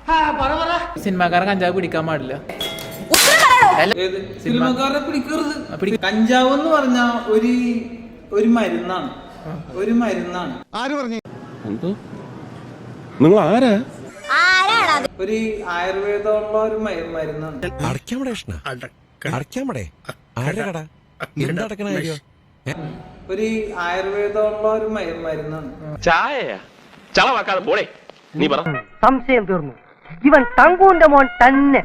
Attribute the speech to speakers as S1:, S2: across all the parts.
S1: സിനിമാക്കാരൻ കഞ്ചാവ് പിടിക്കാൻ പാടില്ല.
S2: സിനിമാക്കാരെ പിടിക്കരുത്. കഞ്ചാവ് എന്ന് പറഞ്ഞ ഒരു മരുന്നാണ്. ഒരു മരുന്നാണ്. ആര് പറഞ്ഞു?
S3: നിങ്ങൾ ആരാ?
S2: ഒരു ആയുർവേദമുള്ള ഒരു മരുന്നാണ്. ഒരു ആയുർവേദമുള്ള ഒരു മരുന്നാണ്.
S4: ചായ ചളവാക്കാതെ പോളെ. നീ പറ.
S5: സംശയം തീർന്നു. ഇവൻ തങ്കൂന്റെ മോൻ തന്നെ.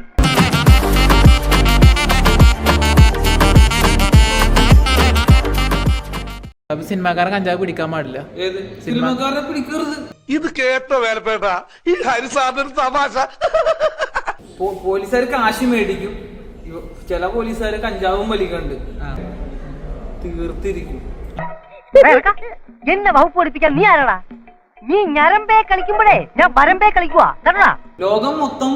S1: സിനിമാക്കാരൻ കഞ്ചാവ് പിടിക്കാൻ പാടില്ല.
S2: സിനിമാക്കാരെ പിടിക്കരുത്.
S3: ഇത് കേട്ട വേലപ്പേട്ട ഈ ഹരിസാറിന്റെ തമാശ.
S2: പോലീസുകാർ കാശ് മേടിക്കും. ചില പോലീസുകാര് കഞ്ചാവും വലിക്കുന്നുണ്ട്. തീർത്തിരിക്കും.
S5: എന്നെ വകുപ്പ് പഠിപ്പിക്കാൻ നീ ആരാടാ? നീ ഞരമ്പേ കളിക്കുമ്പോഴേ ഞാൻ വരമ്പേ കളിക്കുവാ.
S2: ലോകം മൊത്തം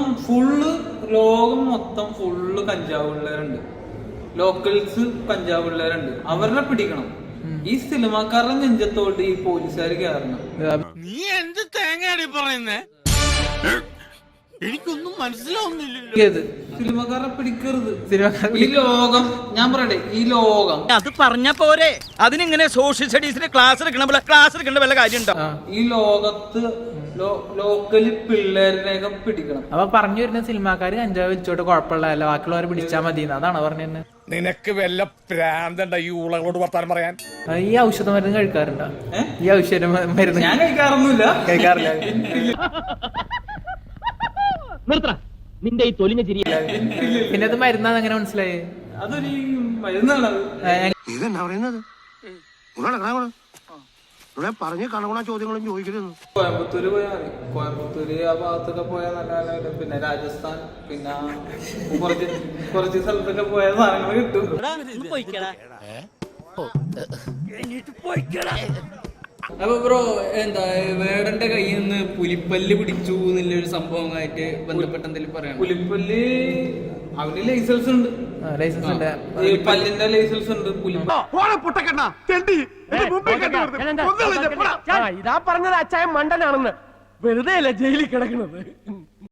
S2: ഫുള്ള് കഞ്ചാവ് പിള്ളേരുണ്ട്. ലോക്കൽസ് കഞ്ചാവ് പിള്ളേരുണ്ട്. അവരെ പിടിക്കണം. ഈ സിനിമാക്കാരുടെ നെഞ്ചത്തോട്ട് ഈ പോലീസുകാർ കയറണം.
S6: നീ എന്ത് തേങ്ങയാടി പറയുന്നേ? എനിക്കൊന്നും മനസ്സിലാവുന്നില്ല.
S2: സിനിമാക്കാരെ പിടിക്കരുത്. ഈ ലോകം, ഞാൻ പറയട്ടെ, ഈ ലോകം
S6: അത് പറഞ്ഞ പോരെ. അതിനിങ്ങനെ സോഷ്യൽ സ്റ്റഡീസിന് ക്ലാസ് എടുക്കേണ്ട വല്ല കാര്യം ഉണ്ടോ?
S2: ഈ ലോകത്ത് ലോക്കല് പിള്ളേരിനെയൊക്കെ പിടിക്കണം.
S1: അപ്പൊ പറഞ്ഞു വരുന്ന സിനിമാക്കാര് കഞ്ചാവ് വെച്ചോട്ട് കുഴപ്പമില്ല, ബാക്കിയുള്ളവരെ പിടിച്ചാൽ മതി അതാണ് പറഞ്ഞത്.
S3: നിനക്ക് വല്ല പ്രാന്തണ്ട ഈ ഊളകളോട് വർത്താനം പറയാൻ?
S1: ഈ ഔഷധ മരുന്ന് കഴിക്കാറുണ്ടോ? ഈ ഔഷധ മരുന്ന്
S2: ഞാൻ കഴിക്കാറില്ല.
S4: നിന്റെ ഈ തൊലിഞ്ഞ ചിരി.
S1: പിന്നെ അത് മരുന്നാന്ന് എങ്ങനെ മനസ്സിലായി?
S2: അതൊരു മരുന്നാണ്.
S7: ഇതെന്നാ പറയുന്നത്? ഇവിടെ പറഞ്ഞ കണകുണ ചോദ്യങ്ങളും ചോദിക്കരുത്.
S2: കോയമ്പത്തൂര് പോയാൽ മതി. കോയമ്പത്തൂര് ആ ഭാഗത്തൊക്കെ പോയാൽ നല്ല. പിന്നെ രാജസ്ഥാൻ, പിന്നെ കുറച്ച് സ്ഥലത്തൊക്കെ പോയ സാധനങ്ങൾ കിട്ടും.
S8: അപ്പൊ ബ്രോ എന്താ വേടന്റെ കയ്യിൽ നിന്ന് പുലിപ്പല്ല് പിടിച്ചു എന്നുള്ളൊരു സംഭവമായിട്ട് ബന്ധപ്പെട്ട് എന്തെങ്കിലും പറയാം?
S2: പുലിപ്പല്ല് അവന് ലൈസൻസ് ഉണ്ട്. പല്ലിന്റെ ലൈസൻസ് ഉണ്ട്.
S5: ഇതാ പറഞ്ഞത് അച്ചായ മണ്ടനാണെന്ന്. വെറുതെ അല്ല ജയിലിൽ കിടക്കുന്നത്.